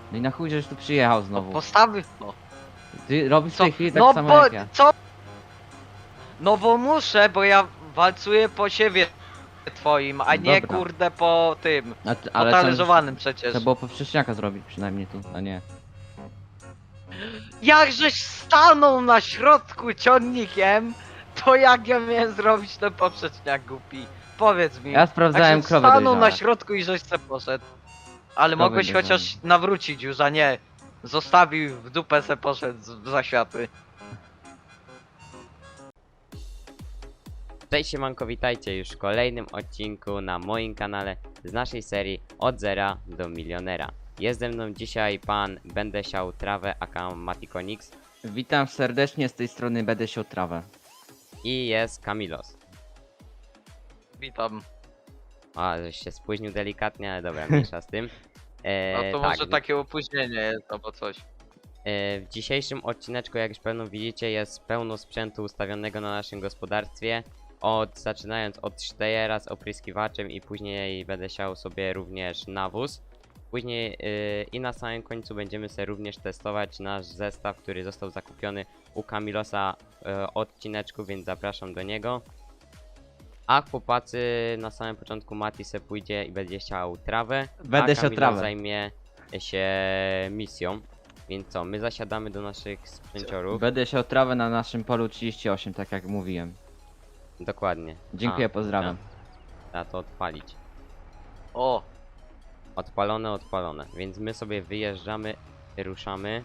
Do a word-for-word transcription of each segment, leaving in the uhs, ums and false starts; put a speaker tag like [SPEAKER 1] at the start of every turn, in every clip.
[SPEAKER 1] No i na chuj, żeś tu przyjechał
[SPEAKER 2] No
[SPEAKER 1] znowu.
[SPEAKER 2] postawy. No,
[SPEAKER 1] Ty robisz w
[SPEAKER 2] co?
[SPEAKER 1] tej chwili tak
[SPEAKER 2] No
[SPEAKER 1] samo
[SPEAKER 2] bo
[SPEAKER 1] jak ja.
[SPEAKER 2] co? No bo muszę, bo ja walcuję po siebie twoim, a nie
[SPEAKER 1] Dobra.
[SPEAKER 2] kurde po tym.
[SPEAKER 1] A ty,
[SPEAKER 2] Po
[SPEAKER 1] ale to
[SPEAKER 2] talerzowanym
[SPEAKER 1] trzeba
[SPEAKER 2] przecież.
[SPEAKER 1] było powszechniaka zrobić przynajmniej tu, a nie.
[SPEAKER 2] Jakżeś stanął na środku ciągnikiem, to jak ja miałem zrobić ten poprzeczniak głupi? Powiedz mi.
[SPEAKER 1] Ja sprawdzałem
[SPEAKER 2] Jakżeś
[SPEAKER 1] krowy
[SPEAKER 2] stanął na
[SPEAKER 1] dojrzałe.
[SPEAKER 2] środku i żeś se poszedł. Ale
[SPEAKER 1] Krowy
[SPEAKER 2] mogłeś
[SPEAKER 1] dojrzałe.
[SPEAKER 2] chociaż nawrócić już, a nie. Zostawił w dupę se poszedł z- za światy.
[SPEAKER 3] Cześć siemanko, witajcie już w kolejnym odcinku na moim kanale z naszej serii Od Zera do Milionera. Jest ze mną dzisiaj pan Będę siał trawę aka Matikonix
[SPEAKER 1] Witam serdecznie, z tej strony będę siał trawę.
[SPEAKER 3] i jest Kamilos.
[SPEAKER 2] Witam.
[SPEAKER 3] A, żeś się spóźnił delikatnie, ale dobra, mniejsza z tym. E,
[SPEAKER 2] No to
[SPEAKER 3] tak,
[SPEAKER 2] może takie opóźnienie jest albo coś.
[SPEAKER 3] e, w dzisiejszym odcineczku, jak już pewno widzicie, jest pełno sprzętu ustawionego na naszym gospodarstwie. Od, zaczynając od sztejera z opryskiwaczem i później będę siał sobie również nawóz. Później yy, i na samym końcu będziemy sobie również testować nasz zestaw, który został zakupiony u Kamilosa yy, odcineczku, więc zapraszam do niego. A chłopacy na samym początku Mati se pójdzie i będzie siał trawę,
[SPEAKER 1] Będę
[SPEAKER 3] a
[SPEAKER 1] siał
[SPEAKER 3] Kamilos
[SPEAKER 1] trawę.
[SPEAKER 3] zajmie się misją. Więc co, my zasiadamy do naszych sprzęciorów.
[SPEAKER 1] Będę siał trawę na naszym polu trzydzieści osiem, tak jak mówiłem.
[SPEAKER 3] Dokładnie.
[SPEAKER 1] Dziękuję,
[SPEAKER 3] A,
[SPEAKER 1] pozdrawiam.
[SPEAKER 3] Trzeba to odpalić.
[SPEAKER 2] O,
[SPEAKER 3] Odpalone, odpalone. Więc my sobie wyjeżdżamy, ruszamy.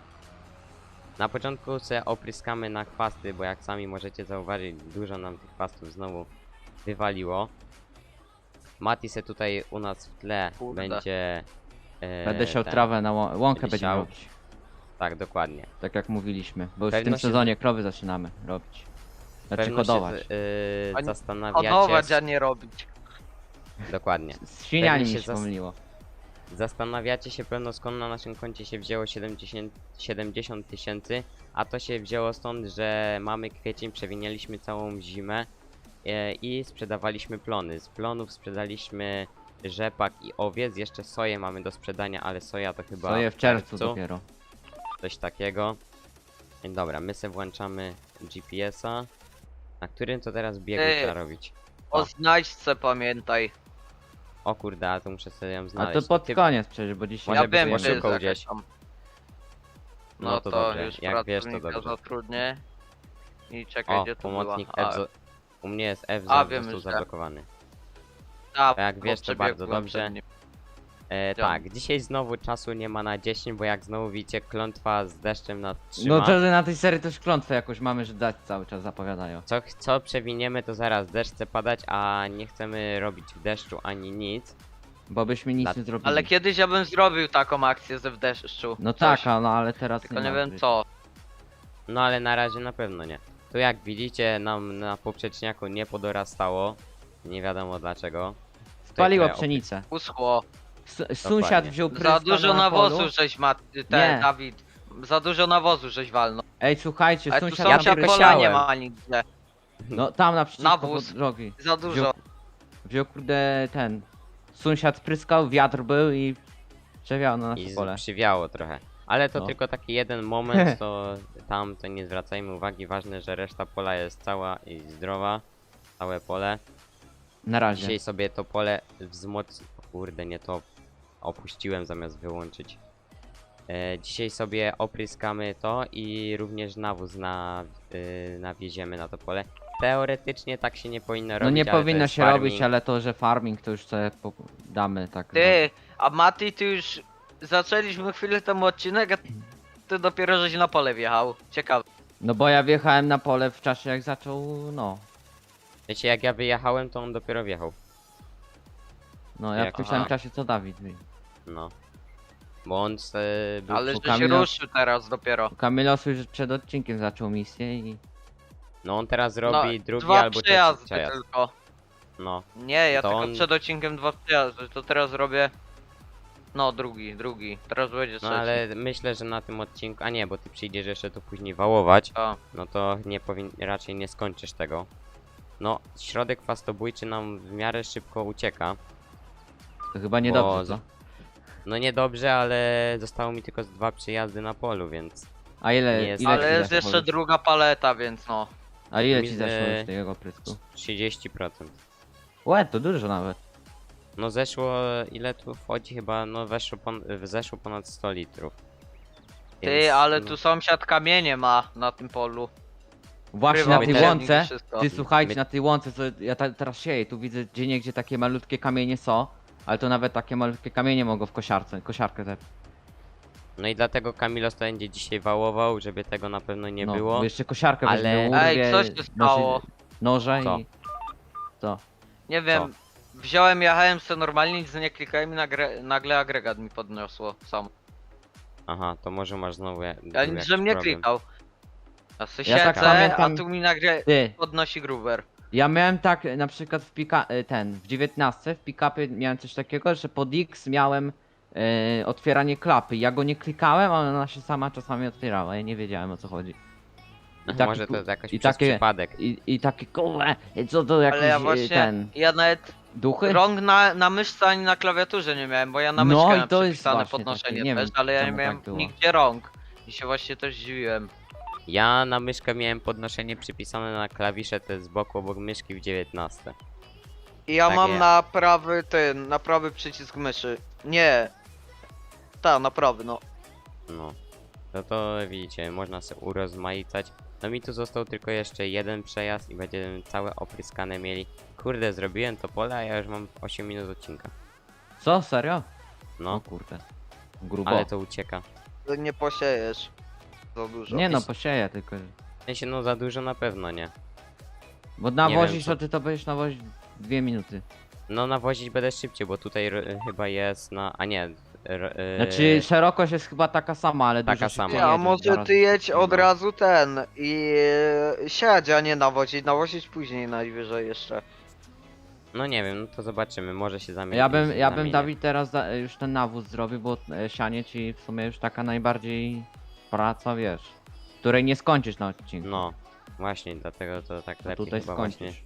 [SPEAKER 3] Na początku sobie opryskamy na chwasty, bo jak sami możecie zauważyć, dużo nam tych chwastów znowu wywaliło. Mati se tutaj u nas w tle
[SPEAKER 2] Kurde.
[SPEAKER 3] będzie... e,
[SPEAKER 1] Będę siał
[SPEAKER 3] ten-
[SPEAKER 1] trawę na łą łąkę
[SPEAKER 3] będzie
[SPEAKER 1] będziemy
[SPEAKER 3] siał.
[SPEAKER 1] robić.
[SPEAKER 3] Tak, dokładnie.
[SPEAKER 1] Tak jak mówiliśmy, bo już w
[SPEAKER 3] Pewno
[SPEAKER 1] tym
[SPEAKER 3] się
[SPEAKER 1] sezonie krowy zaczynamy robić. Znaczy
[SPEAKER 3] Pewno się
[SPEAKER 1] hodować.
[SPEAKER 3] z- e,
[SPEAKER 2] A nie-
[SPEAKER 3] zastanawiacie...
[SPEAKER 2] hodować, a nie robić.
[SPEAKER 3] Dokładnie.
[SPEAKER 1] Z świniami
[SPEAKER 3] pewnie
[SPEAKER 1] mi
[SPEAKER 3] się
[SPEAKER 1] się
[SPEAKER 3] zas-
[SPEAKER 1] pomyliło.
[SPEAKER 3] Zastanawiacie się pewno, skąd na naszym koncie się wzięło siedemdziesiąt tysięcy, a to się wzięło stąd, że mamy kwiecień, przewinęliśmy całą zimę e, i sprzedawaliśmy plony. Z plonów sprzedaliśmy rzepak i owiec, jeszcze soję mamy do sprzedania, ale soja to chyba
[SPEAKER 1] Soję w czerwcu dopiero.
[SPEAKER 3] coś takiego. Dobra, my se włączamy G P S-a. Na którym to teraz biegu
[SPEAKER 2] Ty.
[SPEAKER 3] trzeba robić?
[SPEAKER 2] O znajdźce pamiętaj.
[SPEAKER 3] O kurde, a to muszę sobie ją
[SPEAKER 1] A
[SPEAKER 3] znaleźć.
[SPEAKER 1] to pod
[SPEAKER 3] ty-
[SPEAKER 1] koniec przecież, bo dzisiaj...
[SPEAKER 3] Może
[SPEAKER 2] Ja
[SPEAKER 3] by
[SPEAKER 2] wiem,
[SPEAKER 3] było
[SPEAKER 2] że jest
[SPEAKER 3] szybko
[SPEAKER 2] jakaś
[SPEAKER 3] gdzieś.
[SPEAKER 2] tam.
[SPEAKER 3] No
[SPEAKER 2] No
[SPEAKER 3] to
[SPEAKER 2] to,
[SPEAKER 3] dobrze,
[SPEAKER 2] już
[SPEAKER 3] jak wiesz, to
[SPEAKER 2] pracownika
[SPEAKER 3] dobrze.
[SPEAKER 2] zatrudnię. I czekaj,
[SPEAKER 3] O,
[SPEAKER 2] gdzie to
[SPEAKER 3] pomocnik
[SPEAKER 2] była?
[SPEAKER 3] F. zo- U mnie jest F
[SPEAKER 2] A,
[SPEAKER 3] za
[SPEAKER 2] wiem,
[SPEAKER 3] został
[SPEAKER 2] że-
[SPEAKER 3] zablokowany.
[SPEAKER 2] A,
[SPEAKER 3] A jak
[SPEAKER 2] bo
[SPEAKER 3] wiesz, to bardzo
[SPEAKER 2] przebiegłem
[SPEAKER 3] dobrze.
[SPEAKER 2] przed nim.
[SPEAKER 3] E,
[SPEAKER 2] Dzień.
[SPEAKER 3] tak, dzisiaj znowu czasu nie ma na dziesięć, bo jak znowu widzicie, klątwa z deszczem nas trzyma.
[SPEAKER 1] No to że na tej serii też klątwę jakoś mamy, że dać cały czas zapowiadają.
[SPEAKER 3] Co, co przewiniemy, to zaraz deszcz chce padać, a nie chcemy robić w deszczu ani nic.
[SPEAKER 1] Bo byśmy nic
[SPEAKER 3] Dla-
[SPEAKER 1] nie zrobili.
[SPEAKER 2] Ale kiedyś ja bym zrobił taką akcję ze w deszczu.
[SPEAKER 1] No
[SPEAKER 2] Coś.
[SPEAKER 1] tak, a no ale teraz
[SPEAKER 2] Tylko nie
[SPEAKER 1] ma
[SPEAKER 2] wiem
[SPEAKER 1] być.
[SPEAKER 2] co.
[SPEAKER 3] No ale na razie na pewno nie. Tu jak widzicie, nam na poprzeczniaku nie podorastało. Nie wiadomo dlaczego.
[SPEAKER 1] Spaliło
[SPEAKER 3] Tutaj
[SPEAKER 1] pszenicę.
[SPEAKER 2] Uschło.
[SPEAKER 1] S sąsiad wziął pryska
[SPEAKER 2] Za dużo
[SPEAKER 1] na
[SPEAKER 2] nawozu
[SPEAKER 1] polu.
[SPEAKER 2] żeś ma, ten
[SPEAKER 1] Nie.
[SPEAKER 2] Dawid. Za dużo nawozu żeś walnął.
[SPEAKER 1] Ej, słuchajcie,
[SPEAKER 2] Ale tu
[SPEAKER 1] sąsiad
[SPEAKER 3] Ja
[SPEAKER 1] nam
[SPEAKER 2] sąsiad
[SPEAKER 3] tylko
[SPEAKER 2] pola nie
[SPEAKER 3] siałem.
[SPEAKER 2] ma nigdzie.
[SPEAKER 1] No tam naprzeciwko
[SPEAKER 2] Nawóz.
[SPEAKER 1] pod drogi.
[SPEAKER 2] Za dużo.
[SPEAKER 1] Wziął kurde ten. Sąsiad pryskał, wiatr był i przewiał na nasze
[SPEAKER 3] I z-
[SPEAKER 1] pole.
[SPEAKER 3] przywiało trochę. Ale to
[SPEAKER 1] No.
[SPEAKER 3] tylko taki jeden moment, to tam to nie zwracajmy uwagi. Ważne, że reszta pola jest cała i zdrowa. Całe pole.
[SPEAKER 1] Na razie.
[SPEAKER 3] Dzisiaj sobie to pole wzmocni... Kurde, nie to opuściłem zamiast wyłączyć. E, dzisiaj sobie opryskamy to i również nawóz na, y, nawieziemy na to pole. Teoretycznie tak się nie powinno robić.
[SPEAKER 1] No nie
[SPEAKER 3] ale to
[SPEAKER 1] powinno
[SPEAKER 3] jest
[SPEAKER 1] się
[SPEAKER 3] farming.
[SPEAKER 1] robić, ale to, że farming to już sobie po- damy tak.
[SPEAKER 2] Ty, a Mati, ty już zaczęliśmy chwilę temu odcinek, a ty dopiero żeś na pole wjechał. Ciekawe.
[SPEAKER 1] No bo ja wjechałem na pole w czasie jak zaczął, no.
[SPEAKER 3] Wiecie, jak ja wyjechałem, to on dopiero wjechał.
[SPEAKER 1] No ja
[SPEAKER 3] Jak-
[SPEAKER 1] w tym samym
[SPEAKER 2] aha.
[SPEAKER 1] czasie co Dawid. wie.
[SPEAKER 3] No. Bo on se był...
[SPEAKER 2] Ale
[SPEAKER 1] u
[SPEAKER 2] że się
[SPEAKER 1] Kamila-
[SPEAKER 2] ruszył teraz dopiero.
[SPEAKER 1] Kamilos już przed odcinkiem zaczął misję i...
[SPEAKER 3] No on teraz
[SPEAKER 2] No,
[SPEAKER 3] robi drugi
[SPEAKER 2] dwa
[SPEAKER 3] albo trzeci
[SPEAKER 2] przejazdy
[SPEAKER 3] przejazd.
[SPEAKER 2] tylko.
[SPEAKER 3] No.
[SPEAKER 2] Nie, ja
[SPEAKER 3] To
[SPEAKER 2] tylko
[SPEAKER 3] on-
[SPEAKER 2] przed odcinkiem dwa przejazdy, to teraz robię... No, drugi, drugi. Teraz będzie
[SPEAKER 3] No
[SPEAKER 2] trzeci.
[SPEAKER 3] ale myślę, że na tym odcinku... A nie, bo ty przyjdziesz jeszcze to później wałować.
[SPEAKER 2] O,
[SPEAKER 3] No to nie powin... raczej nie skończysz tego. No, środek fastobójczy nam w miarę szybko ucieka.
[SPEAKER 1] To chyba nie
[SPEAKER 3] Bo
[SPEAKER 1] dobrze,
[SPEAKER 3] z-
[SPEAKER 1] co?
[SPEAKER 3] No niedobrze, ale zostało mi tylko z dwa przyjazdy na polu, więc...
[SPEAKER 1] A ile,
[SPEAKER 3] Nie jest-
[SPEAKER 1] ile
[SPEAKER 2] Ale
[SPEAKER 1] ci
[SPEAKER 2] jest
[SPEAKER 1] zeszło
[SPEAKER 2] jeszcze
[SPEAKER 1] już?
[SPEAKER 2] druga paleta, więc no.
[SPEAKER 1] A ile
[SPEAKER 3] Mi
[SPEAKER 1] ci
[SPEAKER 3] z-
[SPEAKER 1] zeszło już tego prysku?
[SPEAKER 3] trzydzieści procent.
[SPEAKER 1] Łe, to dużo nawet.
[SPEAKER 3] No zeszło, ile tu wchodzi chyba, no weszło, pon zeszło ponad sto litrów.
[SPEAKER 2] Ty,
[SPEAKER 3] Więc,
[SPEAKER 2] ale
[SPEAKER 3] no,
[SPEAKER 2] tu sąsiad kamienie ma na tym polu.
[SPEAKER 1] Właśnie
[SPEAKER 2] Ukrywał
[SPEAKER 1] na tej
[SPEAKER 3] też
[SPEAKER 1] łące,
[SPEAKER 2] wszystko.
[SPEAKER 1] ty słuchajcie,
[SPEAKER 3] My-
[SPEAKER 1] na tej łące, co ja ta, teraz sieję, tu widzę gdzie niegdzie takie malutkie kamienie są, ale to nawet takie malutkie kamienie mogą w kosiarce, kosiarkę te.
[SPEAKER 3] No i dlatego Kamilos to będzie dzisiaj wałował, żeby tego na pewno nie
[SPEAKER 1] no,
[SPEAKER 3] było.
[SPEAKER 1] bo jeszcze kosiarkę
[SPEAKER 3] ale-
[SPEAKER 1] weźmie,
[SPEAKER 2] Ej,
[SPEAKER 1] urwie,
[SPEAKER 2] co się stało?
[SPEAKER 1] noży, noże
[SPEAKER 3] Co?
[SPEAKER 1] i... Co?
[SPEAKER 2] Nie wiem, wziąłem, jechałem sobie normalnie, nic nie klikałem i nagle, nagle agregat mi podniosło sam.
[SPEAKER 3] Aha, to może masz znowu ja,
[SPEAKER 2] Ja
[SPEAKER 3] był
[SPEAKER 2] nic,
[SPEAKER 3] jakiś
[SPEAKER 2] żem nie
[SPEAKER 3] problem.
[SPEAKER 2] klikał. Ja se
[SPEAKER 1] Ja tak
[SPEAKER 2] siedzę,
[SPEAKER 1] pamiętam-
[SPEAKER 2] a tu mi nagle
[SPEAKER 1] Ty,
[SPEAKER 2] podnosi gruber.
[SPEAKER 1] ja miałem tak na przykład w pika... e, ten, w dziewiętnastce w pick-upie miałem coś takiego, że pod X miałem e, otwieranie klapy. Ja go nie klikałem, ale ona się sama czasami otwierała, ja nie wiedziałem o co chodzi. I taki
[SPEAKER 3] może to
[SPEAKER 1] ku-
[SPEAKER 3] jest jakoś
[SPEAKER 1] i
[SPEAKER 3] przez
[SPEAKER 1] takie-
[SPEAKER 3] przypadek.
[SPEAKER 1] I, i taki kurde, co to jakiś
[SPEAKER 2] Ale ja
[SPEAKER 1] e,
[SPEAKER 2] właśnie,
[SPEAKER 1] ten...
[SPEAKER 2] ja nawet
[SPEAKER 1] Duchy?
[SPEAKER 2] rąk na, na myszce ani na klawiaturze nie miałem, bo ja na
[SPEAKER 1] No
[SPEAKER 2] myszkę
[SPEAKER 1] i
[SPEAKER 2] miałem
[SPEAKER 1] to jest
[SPEAKER 2] przypisane
[SPEAKER 1] właśnie
[SPEAKER 2] podnoszenie
[SPEAKER 1] takie, nie
[SPEAKER 2] też,
[SPEAKER 1] wiem,
[SPEAKER 2] ale ja nie
[SPEAKER 1] czemu
[SPEAKER 2] miałem
[SPEAKER 1] tak było.
[SPEAKER 2] nigdzie rąk. I się właśnie też zdziwiłem.
[SPEAKER 3] Ja na myszkę miałem podnoszenie przypisane na klawisze te z boku obok myszki w dziewiętnastce.
[SPEAKER 2] I ja
[SPEAKER 3] Tak
[SPEAKER 2] mam
[SPEAKER 3] jest.
[SPEAKER 2] na prawy ten, na prawy przycisk myszy. Nie. Tak, na prawy, no.
[SPEAKER 3] No. No to widzicie, można sobie urozmaicać. No mi tu został tylko jeszcze jeden przejazd i będziemy całe opryskane mieli. Kurde, zrobiłem to pole, a ja już mam osiem minut odcinka.
[SPEAKER 1] Co, serio? O
[SPEAKER 3] No,
[SPEAKER 1] kurde. Grubo.
[SPEAKER 3] ale to ucieka.
[SPEAKER 2] To nie posiejesz. Za dużo.
[SPEAKER 1] Nie no, posieję tylko.
[SPEAKER 3] W sensie, no za dużo na pewno nie.
[SPEAKER 1] Bo nawozisz,
[SPEAKER 3] co-
[SPEAKER 1] to ty to będziesz nawozić dwie minuty.
[SPEAKER 3] No nawozić będę szybciej, bo tutaj r- chyba jest na... a nie... R- yy,
[SPEAKER 1] Znaczy szerokość jest chyba taka sama, ale
[SPEAKER 3] Taka
[SPEAKER 1] dużo
[SPEAKER 3] sama.
[SPEAKER 1] szybciej
[SPEAKER 2] Nie, a
[SPEAKER 1] jedziesz,
[SPEAKER 2] może
[SPEAKER 1] zaraz-
[SPEAKER 2] ty jedź od
[SPEAKER 3] No.
[SPEAKER 2] razu ten i e, siedź, a nie nawozić. Nawozić później najwyżej jeszcze.
[SPEAKER 3] No nie wiem, no to zobaczymy, może się zamieni.
[SPEAKER 1] Ja bym, ja bym
[SPEAKER 3] zamienię.
[SPEAKER 1] Dawid teraz za, już ten nawóz zrobił, bo e, sianie ci w sumie już taka najbardziej praca, wiesz, której nie skończysz na odcinku.
[SPEAKER 3] No, właśnie, dlatego to tak
[SPEAKER 1] To
[SPEAKER 3] lepiej
[SPEAKER 1] tutaj
[SPEAKER 3] chyba
[SPEAKER 1] skończysz.
[SPEAKER 3] właśnie.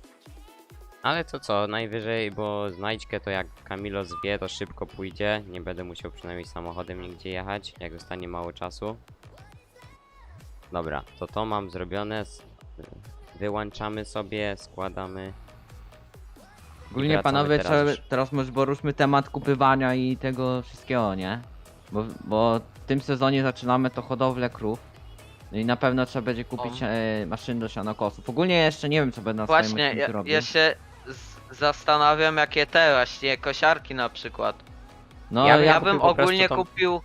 [SPEAKER 3] Ale to co, najwyżej, bo znajdźkę to jak Kamilo zwie, to szybko pójdzie. Nie będę musiał przynajmniej samochodem nigdzie jechać, jak zostanie mało czasu. Dobra, to to mam zrobione. s- Wyłączamy sobie, składamy.
[SPEAKER 1] Ogólnie
[SPEAKER 3] wracamy
[SPEAKER 1] panowie,
[SPEAKER 3] teraz
[SPEAKER 1] trzeba,
[SPEAKER 3] już.
[SPEAKER 1] teraz może poruszmy temat kupywania i tego wszystkiego, nie? Bo, bo w tym sezonie zaczynamy to hodowlę krów. No i na pewno trzeba będzie kupić
[SPEAKER 2] O.
[SPEAKER 1] e, maszyn do sianokosów. Ogólnie jeszcze nie wiem co będę na swoim
[SPEAKER 2] Właśnie,
[SPEAKER 1] odcinku
[SPEAKER 2] ja,
[SPEAKER 1] robił.
[SPEAKER 2] ja się z, zastanawiam jakie te właśnie kosiarki na przykład.
[SPEAKER 1] No
[SPEAKER 3] ja
[SPEAKER 2] Ja,
[SPEAKER 3] bym
[SPEAKER 2] ja
[SPEAKER 3] kupił
[SPEAKER 2] bym
[SPEAKER 3] po prostu
[SPEAKER 2] ogólnie
[SPEAKER 3] tą-
[SPEAKER 2] kupił.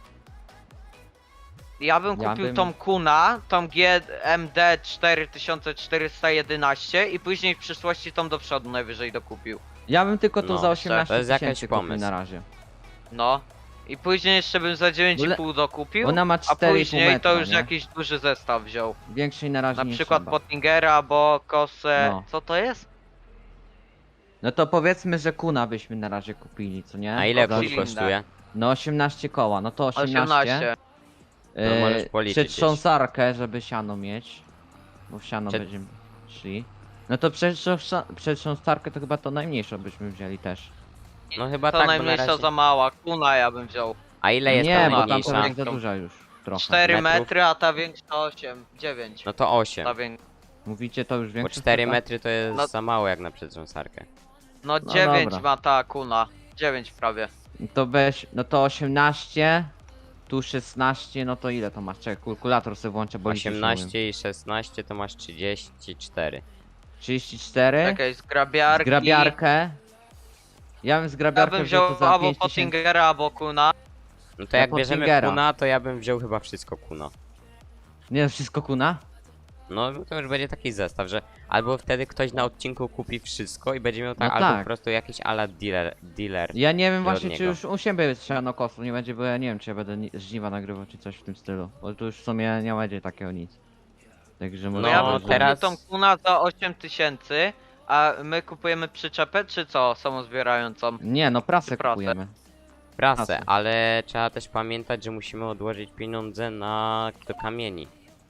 [SPEAKER 2] Ja bym
[SPEAKER 1] Ja
[SPEAKER 2] kupił
[SPEAKER 1] bym-
[SPEAKER 2] tą Kuna, tą G M D cztery tysiące czterysta jedenaście i później w przyszłości tą do przodu najwyżej dokupił.
[SPEAKER 1] Ja bym tylko to
[SPEAKER 3] No,
[SPEAKER 1] za osiemnaście
[SPEAKER 3] to jest jakiś
[SPEAKER 1] tysięcy kupił
[SPEAKER 3] pomysł.
[SPEAKER 1] na razie.
[SPEAKER 2] No. I później jeszcze bym za dziewięć i pół dokupił,
[SPEAKER 1] Ona ma
[SPEAKER 2] a
[SPEAKER 1] cztery i pół
[SPEAKER 2] później
[SPEAKER 1] metra,
[SPEAKER 2] to już
[SPEAKER 1] nie?
[SPEAKER 2] jakiś duży zestaw wziął.
[SPEAKER 1] Większej na razie
[SPEAKER 2] Na
[SPEAKER 1] nie
[SPEAKER 2] przykład
[SPEAKER 1] trzeba.
[SPEAKER 2] Pottingera, bo kosę.
[SPEAKER 1] No.
[SPEAKER 2] Co to jest?
[SPEAKER 1] No to powiedzmy, że kuna byśmy na razie kupili, co nie?
[SPEAKER 3] A ile
[SPEAKER 2] Za
[SPEAKER 3] kół
[SPEAKER 2] cylinder.
[SPEAKER 3] kosztuje?
[SPEAKER 1] No osiemnaście koła, no to osiemnaście.
[SPEAKER 2] osiemnaście.
[SPEAKER 3] No, możesz policzyć gdzieś.
[SPEAKER 1] Przetrząsarkę, żeby siano mieć. Bo w siano
[SPEAKER 3] Przed-
[SPEAKER 1] będziemy szli. No to przetrząsa- przetrząsarkę to chyba to najmniejszą byśmy wzięli też.
[SPEAKER 3] No chyba
[SPEAKER 2] To
[SPEAKER 3] tak, bo na
[SPEAKER 2] najmniejsza
[SPEAKER 3] razie...
[SPEAKER 2] za mała. Kuna ja bym wziął.
[SPEAKER 3] A ile jest
[SPEAKER 1] nie,
[SPEAKER 3] ta
[SPEAKER 1] bo tam to
[SPEAKER 3] najmniejsza?
[SPEAKER 1] jest za duża już. Trochę.
[SPEAKER 2] cztery
[SPEAKER 3] metrów?
[SPEAKER 2] metry, a ta większa osiem. dziewięć.
[SPEAKER 3] No to osiem.
[SPEAKER 2] Ta wię...
[SPEAKER 1] Mówicie to już
[SPEAKER 3] Bo
[SPEAKER 1] większe?
[SPEAKER 3] cztery
[SPEAKER 1] chyba?
[SPEAKER 3] metry to jest
[SPEAKER 2] No-
[SPEAKER 3] za mało jak na przetrząsarkę.
[SPEAKER 2] No
[SPEAKER 1] No
[SPEAKER 2] dziewięć
[SPEAKER 1] dobra.
[SPEAKER 2] ma ta kuna. dziewięć prawie.
[SPEAKER 1] To weź, no to osiemnaście, tu szesnaście, no to ile to masz? Czekaj, kalkulator sobie włączę, bo liczyć nie umiem.
[SPEAKER 3] osiemnaście i szesnaście to masz trzydzieści cztery.
[SPEAKER 1] trzydzieści cztery.
[SPEAKER 2] Czekaj, z grabiarki.
[SPEAKER 1] Zgrabiarkę. Ja bym
[SPEAKER 2] Ja
[SPEAKER 1] zgrabiarkę
[SPEAKER 2] bym
[SPEAKER 1] wziął
[SPEAKER 2] wziął
[SPEAKER 1] to za
[SPEAKER 2] albo
[SPEAKER 1] pięć tysięcy.
[SPEAKER 2] Pottingera, albo kuna.
[SPEAKER 3] No to
[SPEAKER 1] Ja
[SPEAKER 3] jak
[SPEAKER 1] pod
[SPEAKER 3] bierzemy
[SPEAKER 1] Fingera.
[SPEAKER 3] kuna, to ja bym wziął chyba wszystko kuna.
[SPEAKER 1] Nie, wszystko kuna?
[SPEAKER 3] No to już będzie taki zestaw, że albo wtedy ktoś na odcinku kupi wszystko i będzie miał tak,
[SPEAKER 1] No
[SPEAKER 3] albo
[SPEAKER 1] tak.
[SPEAKER 3] po prostu jakiś ala dealer, dealer.
[SPEAKER 1] Ja nie wiem
[SPEAKER 3] od
[SPEAKER 1] właśnie, czy
[SPEAKER 3] niego.
[SPEAKER 1] już u siebie jest sianokosów nie będzie, bo ja nie wiem, czy ja będę ni- żniwa nagrywał, czy coś w tym stylu. Bo tu już w sumie nie będzie takiego nic. Także może...
[SPEAKER 3] No,
[SPEAKER 2] No ja
[SPEAKER 1] być,
[SPEAKER 2] bym
[SPEAKER 1] że-
[SPEAKER 3] teraz-
[SPEAKER 2] kupił tą kuna za osiem tysięcy, a my kupujemy przyczepę, czy co? Samozbierającą.
[SPEAKER 1] Nie, no prasę
[SPEAKER 2] Czy prasę?
[SPEAKER 1] kupujemy.
[SPEAKER 3] Prasę,
[SPEAKER 1] Prasę.
[SPEAKER 3] ale trzeba też pamiętać, że musimy odłożyć pieniądze na do kamieni.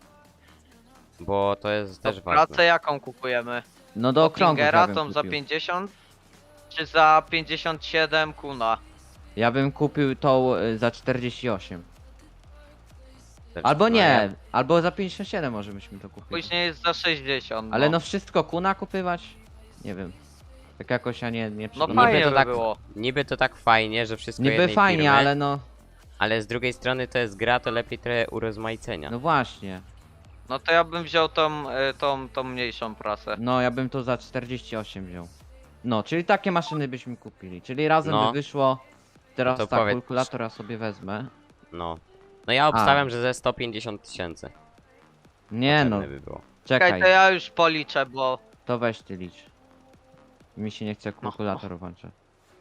[SPEAKER 3] Bo to jest też
[SPEAKER 2] To
[SPEAKER 3] ważne.
[SPEAKER 2] pracę jaką kupujemy?
[SPEAKER 1] No do okrągłych ja
[SPEAKER 2] Pottingera
[SPEAKER 1] bym
[SPEAKER 2] tą za
[SPEAKER 1] kupił.
[SPEAKER 2] pięćdziesiąt? Czy za pięćdziesiąt siedem kuna?
[SPEAKER 1] Ja bym kupił tą y, za czterdzieści osiem.
[SPEAKER 3] Też-
[SPEAKER 1] Albo
[SPEAKER 3] no
[SPEAKER 1] nie,
[SPEAKER 3] ja-
[SPEAKER 1] albo za pięćdziesiąt siedem może byśmy to kupili.
[SPEAKER 2] Później jest za sześćdziesiąt.
[SPEAKER 1] Ale no wszystko kuna kupywać? Nie wiem. Tak jakoś ja nie, nie
[SPEAKER 2] No
[SPEAKER 1] przeglądam.
[SPEAKER 3] Niby
[SPEAKER 2] fajnie
[SPEAKER 3] to
[SPEAKER 2] by
[SPEAKER 3] tak-
[SPEAKER 2] było.
[SPEAKER 3] Niby to tak fajnie, że wszystko
[SPEAKER 1] Niby
[SPEAKER 3] jednej
[SPEAKER 1] fajnie,
[SPEAKER 3] firmy,
[SPEAKER 1] ale no,
[SPEAKER 3] ale z drugiej strony to jest gra, to lepiej trochę urozmaicenia.
[SPEAKER 1] no właśnie.
[SPEAKER 2] No to ja bym wziął tą, y, tą, tą mniejszą prasę.
[SPEAKER 1] No ja bym to za czterdzieści osiem wziął. No, czyli takie maszyny byśmy kupili. Czyli razem
[SPEAKER 3] No.
[SPEAKER 1] by wyszło. Teraz
[SPEAKER 3] To
[SPEAKER 1] tak,
[SPEAKER 3] powiedz-
[SPEAKER 1] kalkulator ja sobie wezmę.
[SPEAKER 3] No. No ja obstawiam, że ze sto pięćdziesiąt tysięcy.
[SPEAKER 1] Nie no,
[SPEAKER 3] Potrzebne by było.
[SPEAKER 2] Czekaj,
[SPEAKER 1] czekaj,
[SPEAKER 2] to ja już policzę, bo...
[SPEAKER 1] to weź ty licz. Mi się nie chce kalkulator włączać.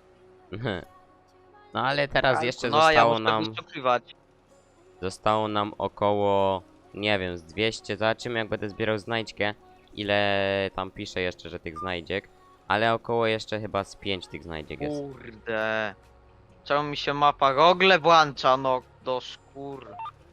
[SPEAKER 3] No ale teraz jeszcze
[SPEAKER 2] no, a ja
[SPEAKER 3] zostało
[SPEAKER 2] muszę
[SPEAKER 3] nam,
[SPEAKER 2] wyszukiwać.
[SPEAKER 3] zostało nam około, nie wiem, z dwieście, zobaczymy jak będę zbierał znajdźkę, ile tam pisze jeszcze, że tych znajdziek, ale około jeszcze chyba z pięć tych znajdziek jest.
[SPEAKER 2] Kurde. Czemu mi się mapa Google włącza, no do szkór.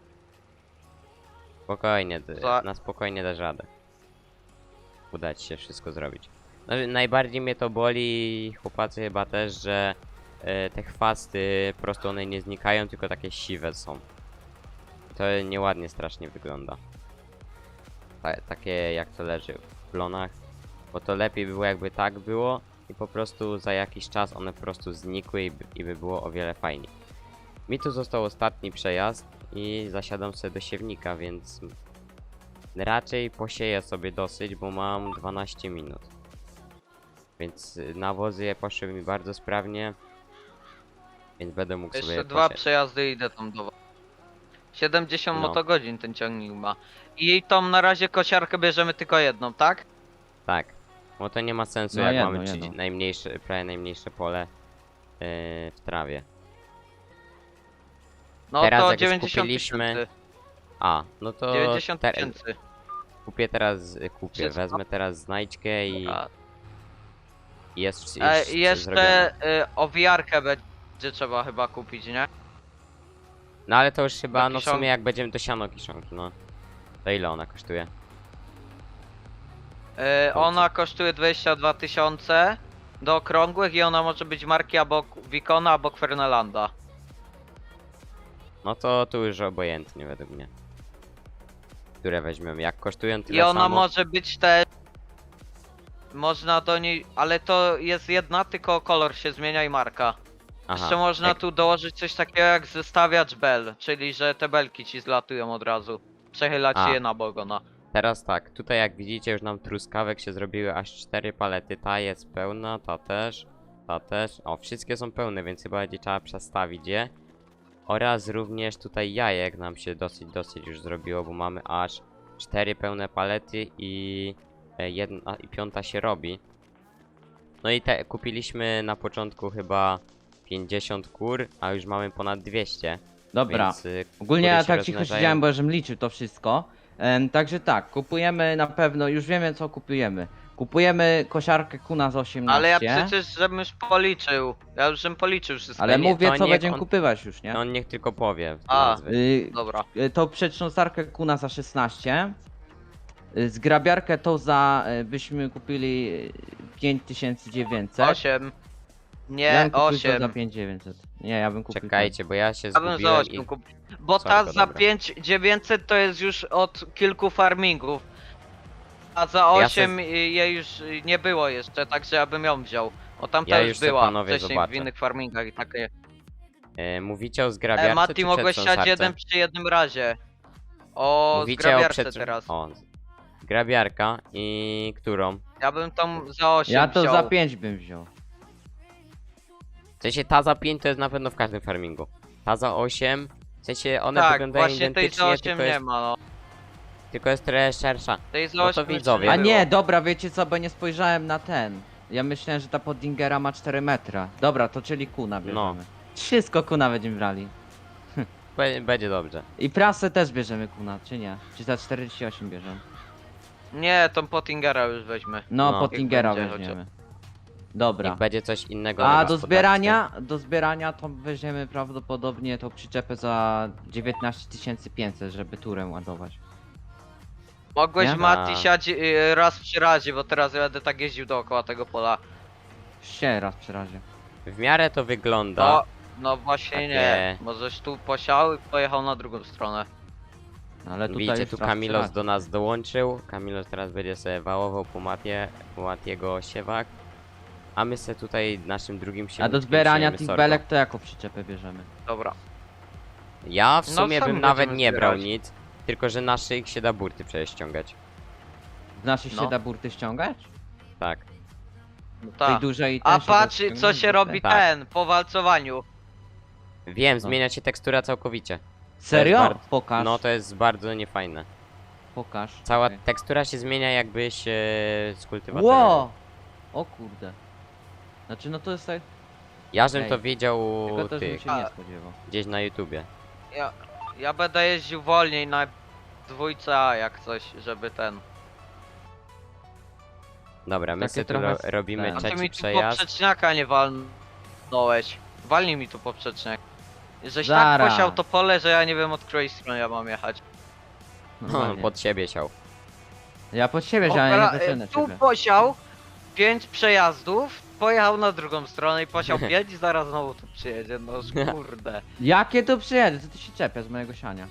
[SPEAKER 3] Spokojnie, d-
[SPEAKER 2] Za-
[SPEAKER 3] na spokojnie dasz radę. Uda ci się wszystko zrobić. No, najbardziej mnie to boli, chłopacy chyba też, że e, te chwasty po prostu one nie znikają, tylko takie siwe są. To nieładnie strasznie wygląda. Ta, takie jak to leży w plonach. Bo to lepiej by było jakby tak było i po prostu za jakiś czas one po prostu znikły i by, i by było o wiele fajniej. Mi tu został ostatni przejazd i zasiadam sobie do siewnika, więc raczej posieję sobie dosyć, bo mam dwanaście minut. Więc y, nawozy poszły mi bardzo sprawnie, więc będę mógł sobie
[SPEAKER 2] Jeszcze dwa
[SPEAKER 3] posiać.
[SPEAKER 2] przejazdy i idę tam do was. siedemdziesiąt
[SPEAKER 3] No.
[SPEAKER 2] motogodzin ten ciągnik ma. I tą na razie kosiarkę bierzemy tylko jedną, tak?
[SPEAKER 3] Tak, bo to nie ma sensu,
[SPEAKER 1] No
[SPEAKER 3] jak
[SPEAKER 1] jedno,
[SPEAKER 3] mamy
[SPEAKER 1] jedno.
[SPEAKER 3] trzydzieści najmniejsze, prawie najmniejsze pole yy, w trawie.
[SPEAKER 2] No
[SPEAKER 3] Teraz
[SPEAKER 2] to
[SPEAKER 3] jak już
[SPEAKER 2] dziewięćdziesiąt
[SPEAKER 3] kupiliśmy-
[SPEAKER 2] tysięcy.
[SPEAKER 3] A, no to
[SPEAKER 2] dziewięćdziesiąt
[SPEAKER 3] te,
[SPEAKER 2] tysięcy.
[SPEAKER 3] kupię teraz, y, kupię,
[SPEAKER 2] Wszystko?
[SPEAKER 3] wezmę teraz znajdźkę i
[SPEAKER 2] A,
[SPEAKER 3] i jest, jest
[SPEAKER 2] E,
[SPEAKER 3] zrobione.
[SPEAKER 2] I jeszcze y, owijarkę będzie trzeba chyba kupić, nie?
[SPEAKER 3] No ale to już chyba,
[SPEAKER 2] do
[SPEAKER 3] no w
[SPEAKER 2] kiszonki.
[SPEAKER 3] sumie jak będziemy do siano kiszonki, no. To ile ona kosztuje?
[SPEAKER 2] Y, ona kosztuje dwadzieścia dwa tysiące do okrągłych i ona może być marki albo Wikona, albo Kwernelanda.
[SPEAKER 3] No to tu już obojętnie według mnie. Które weźmiemy, jak kosztują tyle
[SPEAKER 2] I ona
[SPEAKER 3] samo.
[SPEAKER 2] może być też... Można do niej... Ale to jest jedna, tylko kolor się zmienia i marka.
[SPEAKER 3] Aha,
[SPEAKER 2] Jeszcze można
[SPEAKER 3] jak-
[SPEAKER 2] tu dołożyć coś takiego jak zestawiacz bel, czyli że te belki ci zlatują od razu. Przechylać
[SPEAKER 3] A.
[SPEAKER 2] je na bogona.
[SPEAKER 3] Teraz tak, tutaj jak widzicie już nam truskawek się zrobiły aż cztery palety. Ta jest pełna, ta też, ta też. O, wszystkie są pełne, więc chyba będzie trzeba przestawić je. Oraz również tutaj jajek nam się dosyć, dosyć już zrobiło, bo mamy aż cztery pełne palety i e, jedna i piąta się robi. No i te kupiliśmy na początku chyba pięćdziesiąt kur, a już mamy ponad dwieście.
[SPEAKER 1] Dobra.
[SPEAKER 3] Więc, y,
[SPEAKER 1] Ogólnie
[SPEAKER 3] kury
[SPEAKER 1] ja
[SPEAKER 3] się
[SPEAKER 1] tak cicho
[SPEAKER 3] rozmnażają.
[SPEAKER 1] siedziałem, bo żebym liczył to wszystko. Em, także tak, kupujemy na pewno, już wiemy co kupujemy. Kupujemy kosiarkę kuna z osiemnaście.
[SPEAKER 2] Ale ja przecież żebym już policzył. Ja już żebym policzył wszystko.
[SPEAKER 1] Ale
[SPEAKER 3] nie,
[SPEAKER 1] mówię
[SPEAKER 3] to
[SPEAKER 1] co
[SPEAKER 3] niech
[SPEAKER 1] będziemy
[SPEAKER 3] on-
[SPEAKER 1] kupywać już, nie?
[SPEAKER 3] No on niech tylko powie
[SPEAKER 2] A.
[SPEAKER 3] nazwy.
[SPEAKER 1] Y,
[SPEAKER 2] Dobra.
[SPEAKER 1] y, tą przetrząsarkę kuna za szesnaście. Y, Zgrabiarkę tą za y, byśmy kupili y, pięć tysięcy dziewięćset.
[SPEAKER 2] osiem.
[SPEAKER 1] Ja
[SPEAKER 2] Nie,
[SPEAKER 1] bym kupił to za
[SPEAKER 2] osiem.
[SPEAKER 1] pięć tysięcy dziewięćset. Nie, ja bym kupił.
[SPEAKER 3] Czekajcie, bo ja się
[SPEAKER 2] Ja bym za
[SPEAKER 3] zgubiłem i...
[SPEAKER 2] osiem kupił. Bo
[SPEAKER 3] Sorry,
[SPEAKER 2] ta
[SPEAKER 3] to
[SPEAKER 2] za
[SPEAKER 3] dobra.
[SPEAKER 2] pięć tysięcy dziewięćset to jest już od kilku farmingów. A za
[SPEAKER 3] Ja
[SPEAKER 2] osiem jej już y, nie było jeszcze, także ja bym ją wziął. O tamta
[SPEAKER 3] Ja
[SPEAKER 2] już
[SPEAKER 3] już se,
[SPEAKER 2] była
[SPEAKER 3] panowie,
[SPEAKER 2] wcześniej
[SPEAKER 3] zobaczę.
[SPEAKER 2] w innych farmingach i takie.
[SPEAKER 3] E, mówicie o zgrabiarce
[SPEAKER 2] E, Mati
[SPEAKER 3] czy
[SPEAKER 2] mogłeś siać
[SPEAKER 3] przetrząsarce?
[SPEAKER 2] jeden przy jednym razie. O
[SPEAKER 3] Mówicie o
[SPEAKER 2] zgrabiarce
[SPEAKER 3] przetrząs-
[SPEAKER 2] teraz.
[SPEAKER 3] O, zgrabiarka i którą?
[SPEAKER 2] Ja bym tą za osiem
[SPEAKER 1] Ja to
[SPEAKER 2] wziął.
[SPEAKER 1] za pięć bym wziął.
[SPEAKER 3] W sensie ta za pięć to jest na pewno w każdym farmingu. Ta za osiem, w sensie one
[SPEAKER 2] Tak,
[SPEAKER 3] wyglądają
[SPEAKER 2] właśnie tej za
[SPEAKER 3] identycznie,
[SPEAKER 2] osiem
[SPEAKER 3] tylko
[SPEAKER 2] nie
[SPEAKER 3] jest,
[SPEAKER 2] ma, no.
[SPEAKER 3] tylko jest trochę szersza.
[SPEAKER 2] Tej za
[SPEAKER 3] No to
[SPEAKER 2] osiem jeszcze
[SPEAKER 3] widzowie.
[SPEAKER 1] A
[SPEAKER 2] było.
[SPEAKER 1] nie, dobra, wiecie co, bo nie spojrzałem na ten. Ja myślałem, że ta Poddingera ma cztery metra. Dobra, to czyli kuna bierzemy.
[SPEAKER 3] No.
[SPEAKER 1] Wszystko kuna będziemy brali.
[SPEAKER 3] Be- Będzie dobrze.
[SPEAKER 1] I prasę też bierzemy kuna, czy nie? Czy za czterdzieści osiem bierzemy?
[SPEAKER 2] Nie, tą Pottingera już weźmy.
[SPEAKER 1] No,
[SPEAKER 3] No.
[SPEAKER 1] Pottingera
[SPEAKER 2] Jak będzie
[SPEAKER 1] weźmiemy.
[SPEAKER 3] Niech
[SPEAKER 1] Dobra.
[SPEAKER 3] będzie coś innego
[SPEAKER 1] A
[SPEAKER 3] na
[SPEAKER 1] do
[SPEAKER 3] gospodarstwie.
[SPEAKER 1] zbierania, do zbierania to weźmiemy prawdopodobnie tą przyczepę za dziewiętnaście tysięcy pięćset, żeby turem ładować.
[SPEAKER 2] Mogłeś
[SPEAKER 1] Nie?
[SPEAKER 2] Mati
[SPEAKER 3] A.
[SPEAKER 2] siać y, raz przy razie, bo teraz ja będę tak jeździł dookoła tego pola.
[SPEAKER 1] Się raz przy razie.
[SPEAKER 3] W miarę to wygląda.
[SPEAKER 2] No, No właśnie
[SPEAKER 3] Takie-
[SPEAKER 2] nie. Możesz tu posiał i pojechał na drugą stronę.
[SPEAKER 1] Ale tutaj
[SPEAKER 3] Widzicie,
[SPEAKER 1] jest
[SPEAKER 3] tu
[SPEAKER 1] raz
[SPEAKER 3] Kamilos
[SPEAKER 1] trzy
[SPEAKER 3] do nas dołączył. Kamilos teraz będzie sobie wałował po mapie, po Matiego siewak. A my sobie tutaj naszym drugim
[SPEAKER 1] razy. A do
[SPEAKER 3] siewnikiem
[SPEAKER 1] zbierania
[SPEAKER 3] siejemy
[SPEAKER 1] tych
[SPEAKER 3] sorgo.
[SPEAKER 1] belek to jaką przyczepę bierzemy?
[SPEAKER 2] Dobra.
[SPEAKER 3] Ja w
[SPEAKER 2] No,
[SPEAKER 3] sumie
[SPEAKER 2] sami
[SPEAKER 3] bym nawet
[SPEAKER 2] będziemy
[SPEAKER 3] nie brał
[SPEAKER 2] zbierać.
[SPEAKER 3] nic, tylko że na szyjek się da burty przecież ściągać.
[SPEAKER 1] Z naszych
[SPEAKER 2] No.
[SPEAKER 1] się da burty ściągać?
[SPEAKER 3] Tak.
[SPEAKER 2] No
[SPEAKER 1] Tej
[SPEAKER 2] tak.
[SPEAKER 1] dużej
[SPEAKER 2] A
[SPEAKER 1] też się da
[SPEAKER 2] patrz co
[SPEAKER 1] ściągnąć
[SPEAKER 2] się
[SPEAKER 1] burty?
[SPEAKER 2] robi
[SPEAKER 3] Tak.
[SPEAKER 2] ten, po walcowaniu.
[SPEAKER 3] Wiem,
[SPEAKER 1] No.
[SPEAKER 3] zmienia się tekstura całkowicie.
[SPEAKER 1] Serio?
[SPEAKER 3] bar-
[SPEAKER 1] Pokaż.
[SPEAKER 3] No to jest bardzo niefajne.
[SPEAKER 1] Pokaż.
[SPEAKER 3] Cała
[SPEAKER 1] Czekaj.
[SPEAKER 3] tekstura się zmienia jakbyś e, z kultywatorem.
[SPEAKER 1] Ło! O kurde. Znaczy no to jest tak...
[SPEAKER 3] Ja żem
[SPEAKER 1] Ej,
[SPEAKER 3] to wiedział
[SPEAKER 1] Tylko też bym
[SPEAKER 3] tych,
[SPEAKER 1] się nie
[SPEAKER 2] A-
[SPEAKER 1] spodziewał.
[SPEAKER 3] gdzieś na YouTubie.
[SPEAKER 2] Ja, ja będę jeździł wolniej na dwójce A jak coś, żeby ten.
[SPEAKER 3] Dobra, my
[SPEAKER 1] Takie
[SPEAKER 3] sobie tu
[SPEAKER 1] trochę
[SPEAKER 3] ro
[SPEAKER 1] s-
[SPEAKER 3] robimy
[SPEAKER 1] ten.
[SPEAKER 2] A ty
[SPEAKER 3] trzeci
[SPEAKER 2] mi tu
[SPEAKER 3] przejazd.
[SPEAKER 2] poprzeczniaka nie walnąłeś. Walnij mi tu poprzeczniak. Żeś
[SPEAKER 1] Zaraz.
[SPEAKER 2] tak posiał to pole, że ja nie wiem od której strony ja mam jechać.
[SPEAKER 3] No,
[SPEAKER 1] Normalnie.
[SPEAKER 3] pod siebie siał.
[SPEAKER 1] Ja pod siebie, że ja nie
[SPEAKER 2] Opera-
[SPEAKER 1] zaczynę
[SPEAKER 2] e, tu
[SPEAKER 1] ciebie.
[SPEAKER 2] posiał pięć przejazdów, pojechał na drugą stronę i posiał pięć i zaraz znowu tu przyjedzie. No kurde.
[SPEAKER 1] Jakie tu przyjedę? Co ty się czepia z mojego siania?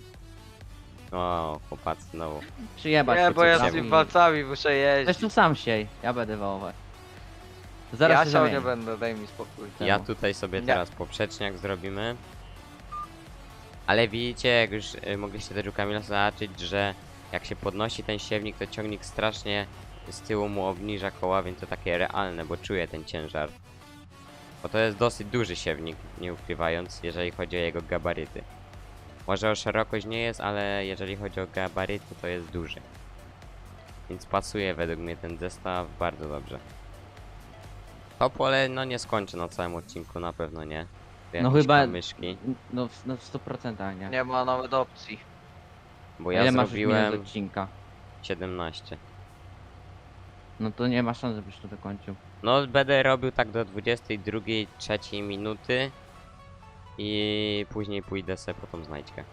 [SPEAKER 3] O, chłopacy znowu.
[SPEAKER 1] Przyjebać
[SPEAKER 2] Nie,
[SPEAKER 1] się,
[SPEAKER 2] bo
[SPEAKER 1] co
[SPEAKER 2] ja
[SPEAKER 1] tam
[SPEAKER 2] z tymi
[SPEAKER 1] i-
[SPEAKER 2] palcami muszę jeździć.
[SPEAKER 1] Zresztą sam siej, ja będę wałować. Zaraz
[SPEAKER 2] Ja
[SPEAKER 1] się
[SPEAKER 2] siał
[SPEAKER 1] zamienię.
[SPEAKER 2] nie będę, daj mi spokój.
[SPEAKER 1] Czemu?
[SPEAKER 3] Ja tutaj sobie
[SPEAKER 2] Nie.
[SPEAKER 3] teraz poprzeczniak zrobimy. Ale widzicie, jak już y, mogliście też u Kamila zobaczyć, że jak się podnosi ten siewnik, to ciągnik strasznie z tyłu mu obniża koła, więc to takie realne, bo czuje ten ciężar. Bo to jest dosyć duży siewnik, nie ukrywając, jeżeli chodzi o jego gabaryty. Może o szerokość nie jest, ale jeżeli chodzi o gabaryty, to jest duży. Więc pasuje według mnie ten zestaw bardzo dobrze. To pole no nie skończę na całym odcinku, na pewno nie.
[SPEAKER 1] No
[SPEAKER 3] Jakieś
[SPEAKER 1] chyba...
[SPEAKER 3] kamyszki,
[SPEAKER 1] No, w- no w stu procentach nie.
[SPEAKER 2] Nie ma nawet opcji.
[SPEAKER 3] bo
[SPEAKER 1] Ile
[SPEAKER 3] ja
[SPEAKER 1] masz już minut
[SPEAKER 3] zrobiłem
[SPEAKER 1] odcinka?
[SPEAKER 3] siedemnaście.
[SPEAKER 1] No to nie ma szans, żebyś to dokończył.
[SPEAKER 3] No będę robił tak do dwudziestej drugiej, trzeciej minuty i później pójdę sobie po tą znajdźkę.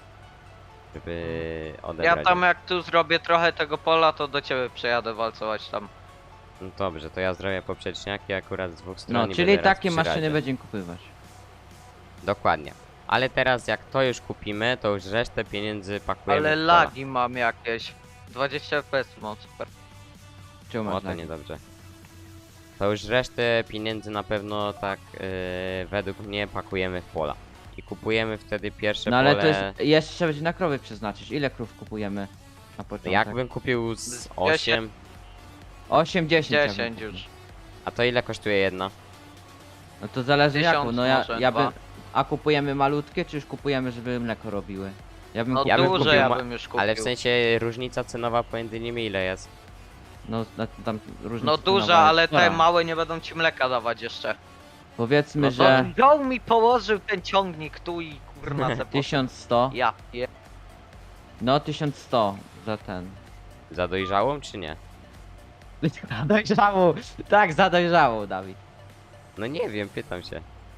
[SPEAKER 3] Żeby
[SPEAKER 2] Ja
[SPEAKER 3] odebrać.
[SPEAKER 2] tam jak tu zrobię trochę tego pola, to do ciebie przejadę walcować tam.
[SPEAKER 3] No dobrze, to ja zrobię poprzeczniaki akurat z dwóch stron.
[SPEAKER 1] No,
[SPEAKER 3] i
[SPEAKER 1] czyli
[SPEAKER 3] będę raz
[SPEAKER 1] takie
[SPEAKER 3] przy
[SPEAKER 1] maszyny
[SPEAKER 3] razie.
[SPEAKER 1] będziemy kupywać.
[SPEAKER 3] Dokładnie. Ale teraz jak to już kupimy, to już resztę pieniędzy pakujemy
[SPEAKER 2] Ale
[SPEAKER 3] w pola.
[SPEAKER 2] lagi mam jakieś. dwadzieścia F P S mam, super.
[SPEAKER 1] Czemu
[SPEAKER 3] O,
[SPEAKER 1] masz
[SPEAKER 3] to
[SPEAKER 1] lagi?
[SPEAKER 3] niedobrze. To już resztę pieniędzy na pewno tak yy, według mnie pakujemy w pola. I kupujemy wtedy pierwsze
[SPEAKER 1] No ale
[SPEAKER 3] pole.
[SPEAKER 1] to jest... Jeszcze będzie na krowy przeznaczyć. Ile krów kupujemy na początek?
[SPEAKER 3] Jakbym kupił z
[SPEAKER 2] Z
[SPEAKER 3] osiem,
[SPEAKER 1] osiem dziesięć.
[SPEAKER 2] dziesięć już.
[SPEAKER 3] a to ile kosztuje jedna?
[SPEAKER 1] No to zależy
[SPEAKER 2] Tysiąc
[SPEAKER 1] jaką. No ja,
[SPEAKER 2] może,
[SPEAKER 1] ja
[SPEAKER 2] dwa.
[SPEAKER 1] bym... A kupujemy malutkie, czy już kupujemy, żeby mleko robiły? Ja bym
[SPEAKER 2] No
[SPEAKER 1] kupił...
[SPEAKER 3] Ja bym
[SPEAKER 2] duże
[SPEAKER 3] kupił
[SPEAKER 2] ja
[SPEAKER 3] ma-
[SPEAKER 2] bym już kupił.
[SPEAKER 3] Ale w sensie różnica cenowa pomiędzy nimi ile jest?
[SPEAKER 1] No na- tam różne
[SPEAKER 2] No
[SPEAKER 1] cenowe
[SPEAKER 2] duża,
[SPEAKER 1] jest
[SPEAKER 2] ale te
[SPEAKER 1] spora.
[SPEAKER 2] małe nie będą ci mleka dawać jeszcze.
[SPEAKER 1] Powiedzmy,
[SPEAKER 2] No to
[SPEAKER 1] że
[SPEAKER 2] wziął mi położył ten ciągnik tu i kurna se poszedł.
[SPEAKER 1] tysiąc sto.
[SPEAKER 2] Ja je...
[SPEAKER 1] No tysiąc sto za ten.
[SPEAKER 3] Za dojrzałą czy nie?
[SPEAKER 1] Za dojrzałą! Tak, za dojrzałą, Dawid.
[SPEAKER 3] No nie wiem, pytam się.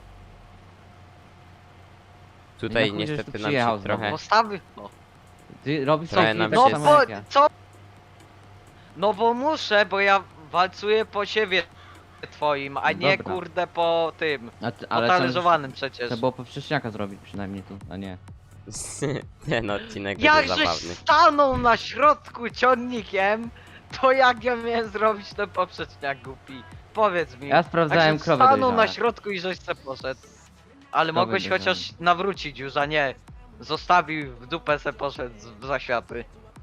[SPEAKER 3] Tutaj
[SPEAKER 1] chuj, żeś tu
[SPEAKER 3] niestety nam
[SPEAKER 1] przyjechał
[SPEAKER 3] się
[SPEAKER 1] znowu.
[SPEAKER 3] trochę...
[SPEAKER 2] Postawy... No,
[SPEAKER 1] Ty robisz
[SPEAKER 3] Trochę
[SPEAKER 1] taki
[SPEAKER 3] nam
[SPEAKER 1] tak
[SPEAKER 2] no
[SPEAKER 3] się
[SPEAKER 1] samo
[SPEAKER 2] bo
[SPEAKER 1] jak ja.
[SPEAKER 2] co? No bo muszę, bo ja walcuję po siewie twoim, a nie
[SPEAKER 1] Dobra.
[SPEAKER 2] kurde po tym.
[SPEAKER 1] A ty,
[SPEAKER 2] Po
[SPEAKER 1] ale to,
[SPEAKER 2] talerzowanym przecież.
[SPEAKER 1] to było poprzeczniaka zrobić przynajmniej tu, a nie.
[SPEAKER 3] Ten odcinek będzie
[SPEAKER 2] Jakżeś
[SPEAKER 3] zabawny.
[SPEAKER 2] stanął na środku ciągnikiem, to jak ja miałem zrobić ten poprzeczniak głupi? Powiedz mi.
[SPEAKER 1] Ja sprawdzałem
[SPEAKER 2] Jak
[SPEAKER 1] krowy
[SPEAKER 2] stanął na
[SPEAKER 1] dojrzałe.
[SPEAKER 2] środku i żeś se poszedł. Ale
[SPEAKER 1] Krowy
[SPEAKER 2] mogłeś
[SPEAKER 1] dojrzałe.
[SPEAKER 2] chociaż nawrócić już, a nie. Zostawił w dupę se poszedł z- w zaświaty.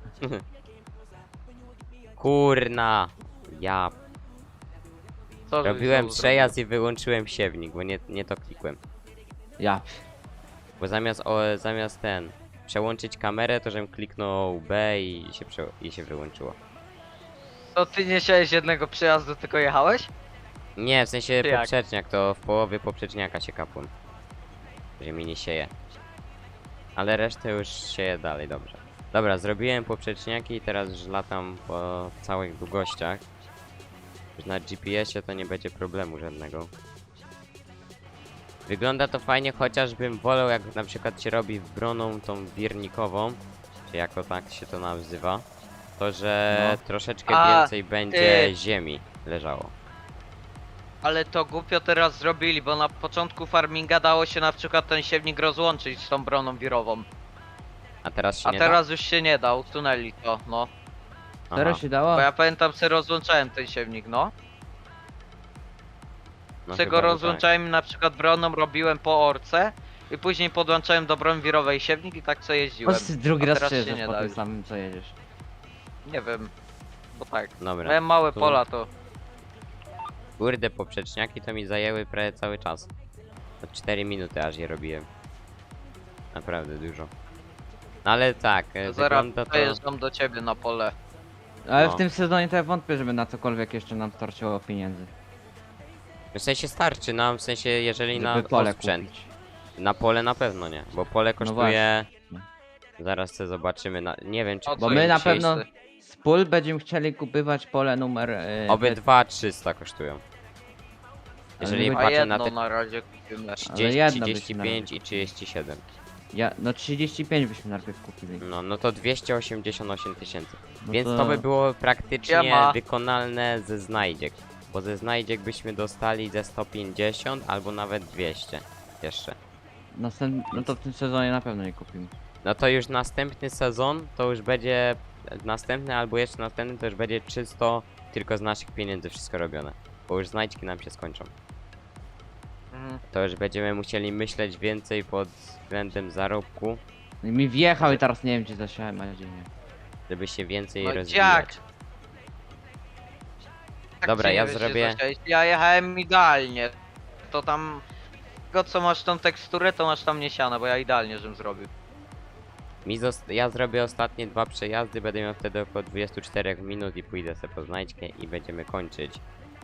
[SPEAKER 3] Kurna! Ja
[SPEAKER 2] Co żeś
[SPEAKER 3] robiłem
[SPEAKER 2] znowu
[SPEAKER 3] przejazd i wyłączyłem siewnik, bo nie, nie to klikłem.
[SPEAKER 1] Ja.
[SPEAKER 3] Bo zamiast o, zamiast ten przełączyć kamerę, to żebym kliknął B i się, prze, i się wyłączyło.
[SPEAKER 2] zrobił? To ty nie siałeś jednego przejazdu, tylko jechałeś?
[SPEAKER 3] Nie, w sensie
[SPEAKER 2] Czy jak?
[SPEAKER 3] poprzeczniak, to w połowie poprzeczniaka się kapłem. Że mi nie sieje. Ale resztę już sieje dalej, dobrze. Dobra, zrobiłem poprzeczniaki i teraz już latam po całych długościach. Już na G P S ie to nie będzie problemu żadnego. Wygląda to fajnie, chociażbym wolał jak na przykład się robi wbroną tą wirnikową, czy jako tak się to nazywa, to że
[SPEAKER 1] No.
[SPEAKER 3] troszeczkę
[SPEAKER 2] A,
[SPEAKER 3] więcej będzie
[SPEAKER 2] ty-
[SPEAKER 3] ziemi leżało.
[SPEAKER 2] Ale to głupio teraz zrobili, bo na początku farminga dało się na przykład ten siewnik rozłączyć z tą broną wirową.
[SPEAKER 3] A teraz się
[SPEAKER 2] A
[SPEAKER 3] nie
[SPEAKER 2] teraz już się nie da, usunęli to, no.
[SPEAKER 3] da?
[SPEAKER 1] Teraz
[SPEAKER 3] Aha,
[SPEAKER 1] się dało?
[SPEAKER 2] Bo ja pamiętam, że rozłączałem ten siewnik, no.
[SPEAKER 3] no
[SPEAKER 2] Z
[SPEAKER 3] chyba,
[SPEAKER 2] tego
[SPEAKER 3] że tak.
[SPEAKER 2] rozłączałem na przykład broną, robiłem po orce i później podłączałem do broni wirowej siewnik i tak co jeździłem.
[SPEAKER 1] Chodź, ty drugi
[SPEAKER 2] A
[SPEAKER 1] raz
[SPEAKER 2] teraz się
[SPEAKER 1] przejeżdżasz
[SPEAKER 2] nie
[SPEAKER 1] po
[SPEAKER 2] da
[SPEAKER 1] tym
[SPEAKER 2] już.
[SPEAKER 1] samym co jedziesz.
[SPEAKER 2] Nie wiem, bo tak.
[SPEAKER 3] Dobra.
[SPEAKER 2] Miałem małe
[SPEAKER 3] tu-
[SPEAKER 2] pola to.
[SPEAKER 3] Kurde, poprzeczniaki to mi zajęły prawie cały czas. To cztery minuty aż je robiłem. Naprawdę dużo. No ale tak, e,
[SPEAKER 2] Zaraz
[SPEAKER 3] wygląda to...
[SPEAKER 2] przejeżdżam do ciebie na pole.
[SPEAKER 1] Ale
[SPEAKER 3] No.
[SPEAKER 1] w tym sezonie to ja wątpię, żeby na cokolwiek jeszcze nam starczyło pieniędzy.
[SPEAKER 3] W sensie starczy nam, w sensie jeżeli na
[SPEAKER 1] Żeby pole
[SPEAKER 3] osprzęt.
[SPEAKER 1] kupić.
[SPEAKER 3] Na pole na pewno nie, bo pole kosztuje... Zaraz sobie zobaczymy, na... nie wiem czy...
[SPEAKER 2] O
[SPEAKER 1] Bo
[SPEAKER 2] co
[SPEAKER 1] my
[SPEAKER 2] im
[SPEAKER 1] na
[SPEAKER 2] się
[SPEAKER 1] pewno
[SPEAKER 2] chce?
[SPEAKER 1] z pól będziemy chcieli kupywać pole numer... Yy,
[SPEAKER 3] Obydwa trzysta kosztują. Jeżeli
[SPEAKER 1] my-
[SPEAKER 2] A
[SPEAKER 3] patrzę na
[SPEAKER 2] jedno
[SPEAKER 3] te
[SPEAKER 2] na razie kupimy.
[SPEAKER 1] Ale
[SPEAKER 3] trzydzieści,
[SPEAKER 1] jedno
[SPEAKER 3] trzydzieści
[SPEAKER 1] byśmy
[SPEAKER 3] pięć i
[SPEAKER 1] nawet
[SPEAKER 3] trzydzieści siedem.
[SPEAKER 1] Ja, no trzydzieści pięć byśmy najpierw kupili.
[SPEAKER 3] No, no to dwieście osiemdziesiąt osiem tysięcy.
[SPEAKER 1] No
[SPEAKER 3] Więc to by było praktycznie
[SPEAKER 2] Siema.
[SPEAKER 3] wykonalne ze znajdziek. Bo ze znajdziek byśmy dostali ze sto pięćdziesiąt albo nawet dwieście jeszcze.
[SPEAKER 1] Następ... No to w tym sezonie na pewno nie kupimy.
[SPEAKER 3] No to już następny sezon to już będzie następny albo jeszcze następny to już będzie czysto tylko z naszych pieniędzy wszystko robione. Bo już znajdźki nam się skończą.
[SPEAKER 2] Mhm.
[SPEAKER 3] To już będziemy musieli myśleć więcej pod względem zarobku,
[SPEAKER 1] I mi wjechał i teraz nie wiem gdzie zasiałem, a gdzie nie.
[SPEAKER 3] żeby się więcej
[SPEAKER 2] No
[SPEAKER 3] rozwijać.
[SPEAKER 2] jak? Tak
[SPEAKER 3] Dobra,
[SPEAKER 2] się nie
[SPEAKER 3] ja
[SPEAKER 2] wiesz,
[SPEAKER 3] zrobię-
[SPEAKER 2] gdzie zasiąść. Ja jechałem idealnie. To tam... Tego co masz tą teksturę, to masz tam niesiane, bo ja idealnie żem zrobił.
[SPEAKER 3] Mi zost- ja zrobię ostatnie dwa przejazdy, będę miał wtedy około dwadzieścia cztery minut i pójdę sobie po znajdźkę i będziemy kończyć.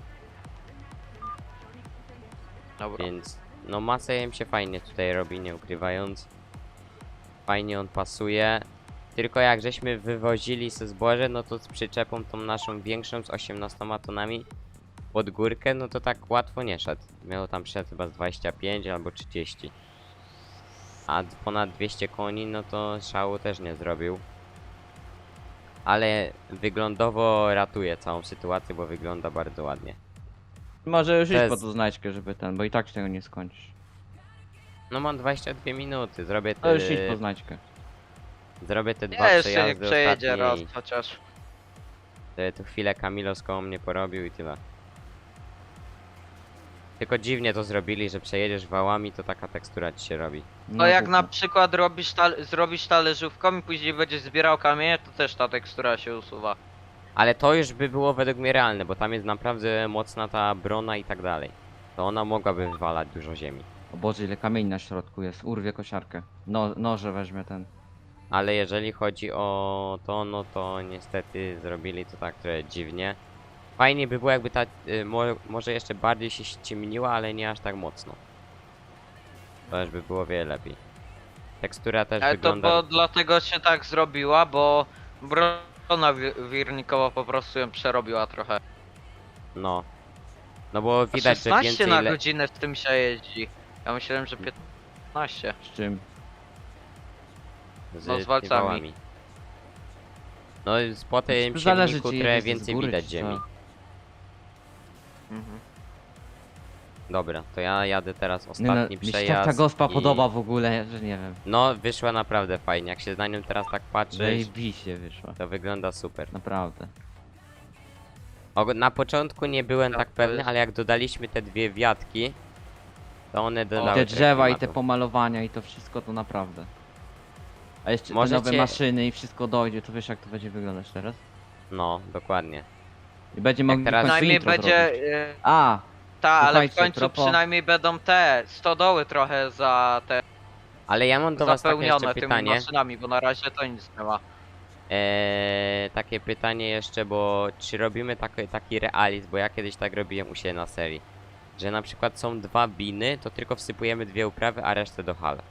[SPEAKER 2] Dobra.
[SPEAKER 3] Więc no masę im się fajnie tutaj robi, nie ukrywając. Fajnie on pasuje. Tylko jak żeśmy wywozili ze zboże, no to z przyczepą tą naszą większą z osiemnastoma tonami pod górkę, no to tak łatwo nie szedł. Miał tam szedł chyba z dwadzieścia pięć albo trzydzieści. A d- ponad dwieście koni, no to szału też nie zrobił. Ale wyglądowo ratuje całą sytuację, bo wygląda bardzo ładnie.
[SPEAKER 1] Może już
[SPEAKER 3] To
[SPEAKER 1] iść
[SPEAKER 3] jest-
[SPEAKER 1] po tą znajdźkę, żeby ten, bo i tak się tego nie skończysz.
[SPEAKER 3] No mam dwadzieścia dwie minuty, zrobię
[SPEAKER 1] To
[SPEAKER 3] te,
[SPEAKER 1] już idź po znajdźkę.
[SPEAKER 3] zrobię te
[SPEAKER 2] Nie,
[SPEAKER 3] dwa
[SPEAKER 2] jeszcze niech
[SPEAKER 3] przejazdy
[SPEAKER 2] przejedzie raz
[SPEAKER 3] ostatnie i
[SPEAKER 2] chociaż.
[SPEAKER 3] e, tu chwilę Kamilos koło mnie porobił i tyle. Tylko dziwnie to zrobili, że przejedziesz wałami, to taka tekstura ci się robi.
[SPEAKER 2] No jak
[SPEAKER 1] głupio.
[SPEAKER 2] na przykład robisz tal zrobisz talerzówką i później będziesz zbierał kamienie, to też ta tekstura się usuwa.
[SPEAKER 3] Ale to już by było według mnie realne, bo tam jest naprawdę mocna ta brona i tak dalej. To ona mogłaby wywalać dużo ziemi.
[SPEAKER 1] O Boże, ile kamieni na środku jest. Urwie kosiarkę. No, noże weźmie ten.
[SPEAKER 3] Ale jeżeli chodzi o to, no to niestety zrobili to tak trochę dziwnie. Fajnie by było jakby ta, y, mo może jeszcze bardziej się ściemniła, ale nie aż tak mocno. To już by było wiele lepiej. Tekstura też
[SPEAKER 2] Ale to
[SPEAKER 3] wygląda...
[SPEAKER 2] bo dlatego się tak zrobiła, bo brona wi- wirnikowa po prostu ją przerobiła trochę.
[SPEAKER 3] No. No bo
[SPEAKER 2] A
[SPEAKER 3] widać, że
[SPEAKER 2] szesnaście
[SPEAKER 3] więcej
[SPEAKER 2] na
[SPEAKER 3] le...
[SPEAKER 2] godzinę w tym się jeździ. Ja myślałem, że piętnaście.
[SPEAKER 1] Z czym?
[SPEAKER 3] z,
[SPEAKER 2] no, z
[SPEAKER 3] tymi
[SPEAKER 2] walcami.
[SPEAKER 3] wałami. No i po tym
[SPEAKER 1] To zależy,
[SPEAKER 3] silniku
[SPEAKER 1] czy
[SPEAKER 3] trochę
[SPEAKER 1] jedziesz z
[SPEAKER 3] więcej
[SPEAKER 1] góry,
[SPEAKER 3] widać
[SPEAKER 1] czy
[SPEAKER 3] ziemi.
[SPEAKER 1] co.
[SPEAKER 2] Mhm.
[SPEAKER 3] Dobra, to ja jadę teraz
[SPEAKER 1] Nie no,
[SPEAKER 3] ostatni
[SPEAKER 1] mi się
[SPEAKER 3] przejazd.
[SPEAKER 1] tak ta gospa
[SPEAKER 3] i-
[SPEAKER 1] podoba w ogóle, że nie wiem.
[SPEAKER 3] No, wyszła naprawdę fajnie. Jak się na nią teraz tak patrzeć,
[SPEAKER 1] Zajebiście wyszła.
[SPEAKER 3] to wygląda super.
[SPEAKER 1] Naprawdę.
[SPEAKER 3] Og- Na początku nie byłem
[SPEAKER 2] Tak,
[SPEAKER 3] tak
[SPEAKER 2] to
[SPEAKER 3] pewny,
[SPEAKER 2] jest-
[SPEAKER 3] ale jak dodaliśmy te dwie wiatki, to one
[SPEAKER 1] I
[SPEAKER 3] dodały
[SPEAKER 1] te
[SPEAKER 3] trochę
[SPEAKER 1] drzewa i te
[SPEAKER 3] klimatu.
[SPEAKER 1] pomalowania i to wszystko to naprawdę. A jeszcze te
[SPEAKER 3] Możecie-
[SPEAKER 1] nowe maszyny i wszystko dojdzie, to wiesz jak to będzie wyglądać teraz?
[SPEAKER 3] No, dokładnie.
[SPEAKER 1] I będzie mogli
[SPEAKER 3] teraz-
[SPEAKER 1] w końcu
[SPEAKER 2] Przynajmniej
[SPEAKER 1] intro
[SPEAKER 2] będzie...
[SPEAKER 1] zrobić.
[SPEAKER 2] y,
[SPEAKER 1] A,
[SPEAKER 2] Ta, ale w
[SPEAKER 1] Słuchajcie,
[SPEAKER 2] końcu
[SPEAKER 1] propos-
[SPEAKER 2] przynajmniej będą te stodoły trochę za te
[SPEAKER 3] Ale ja mam do was takie jeszcze
[SPEAKER 2] zapełnione tymi
[SPEAKER 3] pytanie.
[SPEAKER 2] maszynami, bo na razie to nic nie ma.
[SPEAKER 3] Eee, takie pytanie jeszcze, bo czy robimy taki, taki realizm, bo ja kiedyś tak robiłem u siebie na serii. Że na przykład są dwa biny, to tylko wsypujemy dwie uprawy, a resztę do hal.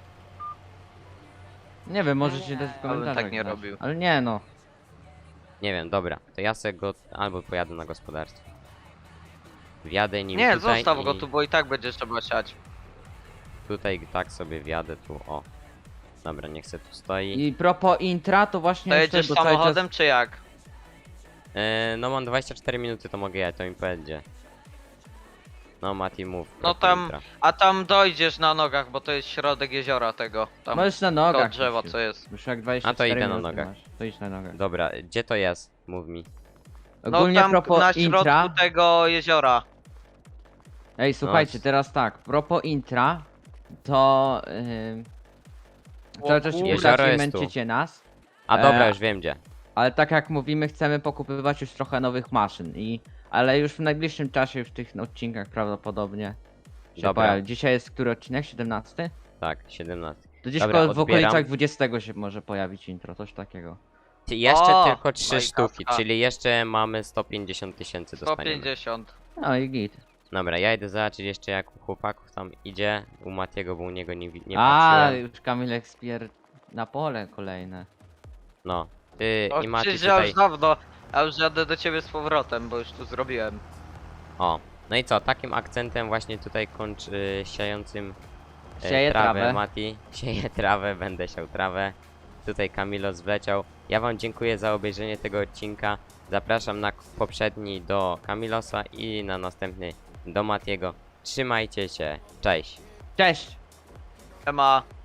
[SPEAKER 1] nie wiem, możecie dać w
[SPEAKER 2] bym
[SPEAKER 1] komentarzach.
[SPEAKER 2] tak nie
[SPEAKER 1] znać.
[SPEAKER 2] robił.
[SPEAKER 1] Ale nie no.
[SPEAKER 3] Nie wiem, dobra, to ja se go albo pojadę na gospodarstwo. Wjadę nim
[SPEAKER 2] Nie,
[SPEAKER 3] tutaj
[SPEAKER 2] zostaw
[SPEAKER 3] i
[SPEAKER 2] go tu, bo i tak będzie trzeba siać.
[SPEAKER 3] tutaj tak sobie wjadę tu, o. Dobra, niech se tu stoi.
[SPEAKER 1] I propos intra, to właśnie
[SPEAKER 2] To
[SPEAKER 1] jest
[SPEAKER 2] jedziesz
[SPEAKER 1] bo cały
[SPEAKER 2] samochodem czy jak?
[SPEAKER 3] Eee, no mam dwadzieścia cztery minuty, to mogę jechać, to mi będzie. No Mati, mów.
[SPEAKER 2] No
[SPEAKER 3] propos
[SPEAKER 2] tam-
[SPEAKER 3] intra.
[SPEAKER 2] A tam dojdziesz na nogach, bo to jest środek jeziora tego. Tam
[SPEAKER 1] Możesz na
[SPEAKER 2] to
[SPEAKER 1] nogach.
[SPEAKER 2] drzewo
[SPEAKER 1] iść
[SPEAKER 2] co
[SPEAKER 1] już.
[SPEAKER 2] jest.
[SPEAKER 1] Już jak dwadzieścia
[SPEAKER 3] A to
[SPEAKER 1] cztery
[SPEAKER 3] idę na
[SPEAKER 1] minuty
[SPEAKER 3] nogach.
[SPEAKER 1] masz, to idź na nogach.
[SPEAKER 3] Dobra, gdzie to jest? Mów mi.
[SPEAKER 2] No
[SPEAKER 1] Ogólnie
[SPEAKER 2] tam
[SPEAKER 1] propos
[SPEAKER 2] na środku
[SPEAKER 1] intra.
[SPEAKER 2] tego jeziora.
[SPEAKER 1] Ej, słuchajcie,
[SPEAKER 3] No.
[SPEAKER 1] teraz tak, propos intra, to yy,
[SPEAKER 2] O
[SPEAKER 1] cały czas się
[SPEAKER 2] kurde.
[SPEAKER 3] Jezioro
[SPEAKER 1] pytacie,
[SPEAKER 3] jest tu.
[SPEAKER 1] męczycie nas,
[SPEAKER 3] A dobra,
[SPEAKER 1] E,
[SPEAKER 3] już wiem gdzie.
[SPEAKER 1] ale tak jak mówimy, chcemy pokupywać już trochę nowych maszyn i ale już w najbliższym czasie, już w tych odcinkach prawdopodobnie się
[SPEAKER 3] Dobra.
[SPEAKER 1] pojawi. Dzisiaj jest który odcinek? siedemnasty?
[SPEAKER 3] Tak, siedemnaście.
[SPEAKER 1] To gdzieś
[SPEAKER 3] Dobra,
[SPEAKER 1] koło- w
[SPEAKER 3] odbieram.
[SPEAKER 1] okolicach dwudziestego się może pojawić intro, coś takiego.
[SPEAKER 3] Ty, Jeszcze
[SPEAKER 2] O,
[SPEAKER 3] tylko trzy
[SPEAKER 2] fajka,
[SPEAKER 3] sztuki,
[SPEAKER 2] a.
[SPEAKER 3] czyli jeszcze mamy sto pięćdziesiąt tysięcy
[SPEAKER 2] sto
[SPEAKER 3] dostaniemy.
[SPEAKER 2] pięćdziesiąt.
[SPEAKER 1] No i git.
[SPEAKER 3] Dobra, ja idę zobaczyć jeszcze jak u chłopaków tam idzie. U Matiego, bo u niego nie, wi- nie
[SPEAKER 1] A,
[SPEAKER 3] patrzyłem.
[SPEAKER 1] już Kamilek spier... na pole kolejne.
[SPEAKER 3] No. Ty
[SPEAKER 2] O,
[SPEAKER 3] i Mati
[SPEAKER 2] przecież ja
[SPEAKER 3] tutaj...
[SPEAKER 2] już dawno, ja już jadę do ciebie z powrotem, bo już tu zrobiłem.
[SPEAKER 3] O. No i co, takim akcentem właśnie tutaj kończ y, siającym e,
[SPEAKER 1] Sieje trawę.
[SPEAKER 3] Mati. Sieje trawę, będę siał trawę. Tutaj Kamilos wleciał. Ja wam dziękuję za obejrzenie tego odcinka. Zapraszam na k- poprzedni do Kamilosa i na następny do Matiego. Trzymajcie się, cześć!
[SPEAKER 1] Cześć!
[SPEAKER 2] Ema.